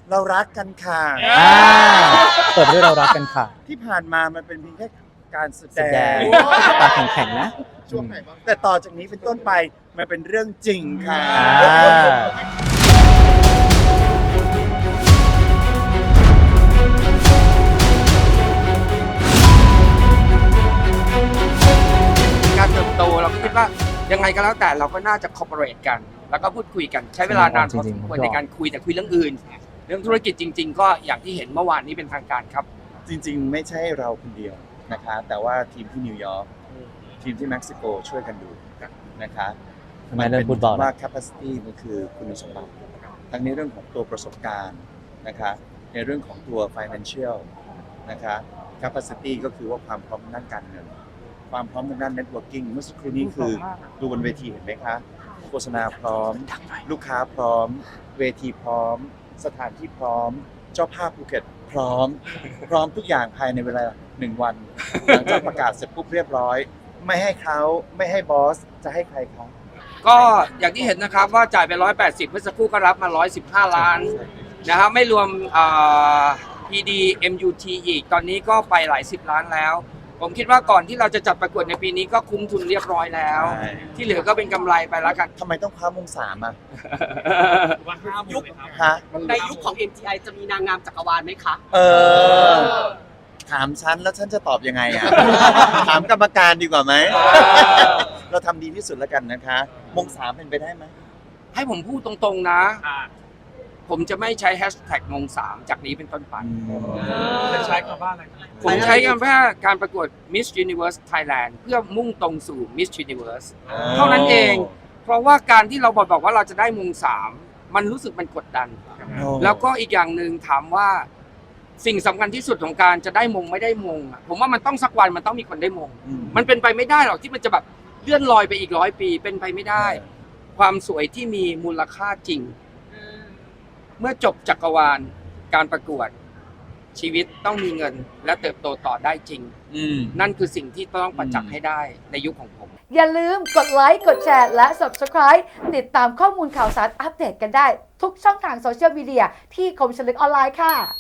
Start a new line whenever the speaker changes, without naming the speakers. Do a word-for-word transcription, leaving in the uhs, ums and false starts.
เรารักกันค่ะ
เปิดด้วยเรารักกันค่ะ
ที่ผ่านมามันเป็นเพียงแค่การแส
แส
ด
ด
ง
งตาแข็งๆนะ
ช่วงไหนบ้าง
แต่ต่อจากนี้เป็นต้นไปมันเป็นเรื่องจริงค่ะ
อ่า
การเติบโตเราก็คิดว่ายังไงก็แล้วแต่เราก็น่าจะคอร์ปอเรทกัน แล้วก็พูดคุยกันใช้เวลานานพอสมควรในการคุยแต่คุยเรื่องอื่น เรื่องธุรกิจจริง ๆ ก็อย่างที่เห็นเมื่อวานนี้เป็นทางการครับ
จริงๆ ไม่ใช่เราคนเดียวนะคะ แต่ว่าทีมที่นิวยอร์กทีมที่เม็กซิโกช่วยกันดูนะคะ
ทำไมเรื่องฟุตบอล
ว่า capacity มันคือคุณสมบัติทั้งในเรื่องของตัวประสบการณ์นะคะในเรื่องของตัว financial นะคะ capacity ก็คือว่าความพร้อมด้านการเงิน ความพร้อมทางด้าน networking เมื่อสักครู่นี้คือดูบนเวทีเห็นไหมคะโฆษณาพร้อม ลูกค้าพร้อม เวทีพร้อม สถานที่พร้อม เจ้าภาพภูเก็ตพร้อม พร้อมทุกอย่างภายในเวลาหนึ่งวันหลังจากประกาศเสร็จปุ๊บเรียบร้อย ไม่ให้เขาไม่ให้บอสจะให้ใครเขา
ก็อย่างที่เห็นนะครับว่าจ่ายไปหนึ่งร้อยแปดสิบเมื่อสักครู่ก็รับมาหนึ่งร้อยสิบห้าล้านนะครับไม่รวมอ่า พี ดี เอ็ม ยู ที อีกตอนนี้ก็ไปหลายสิบล้านแล้ว ผมคิดว่าก่อนที่เราจะจัดประกวดในปีนี้ก็คุ้มทุนเรียบร้อยแล้ว
ใช่
ที่เหลือก็เป็นกำไรไปแล้วกัน
ทำไมต้องคว้ามงสามอ่ะ
ยุค
ฮะ
ในยุคของ เอ็ม ที ไอ จะมีนางงามจักรวาลไหมคะ
เออ ถามฉันแล้วฉันจะตอบยังไงอ่ะ ถามกรรมการดีกว่าไหม เราทำดีที่สุดแล้วกันนะคะ มงสามเป็นไปได้ไหม
ให้ผมพูดตรงๆนะ ผมจะไม่ใช้แฮชแท็กมงสามจากนี้เป็นต้นไป
จะใช้คำว่าอะไร
ผมใช้คำว่าการประกวด Miss Universe Thailand เพื่อมุ่งตรงสู่ Miss Universe เท่านั้นเอง เพราะว่าการที่เราบอกบอกว่าเราจะได้มงสามมันรู้สึกมันกดดัน
โอ้
แล้วก็อีกอย่างหนึ่งถามว่าสิ่งสำคัญที่สุดของการจะได้มงไม่ได้มงอะผมว่ามันต้องสักวันมันต้องมีคนได้มง
อืม
มันเป็นไปไม่ได้หรอกที่มันจะแบบเลื่อนลอยไปอีกร้อยปีเป็นไปไม่ได้ ความสวยที่มีมูลค่าจริง เมื่อจบจักรวาลการประกวดชีวิตต้องมีเงินและเติบโตต่อได้จริง
อืม
นั่นคือสิ่งที่ต้องประจักษ์ให้ได้ในยุคของผม
อย่าลืมกดไลค์ กดแชร์ และ Subscribe ติดตามข้อมูลข่าวสารอัปเดตกันได้ ทุกช่องทางโซเชียลมีเดียที่คมชลึกออนไลน์ค่ะ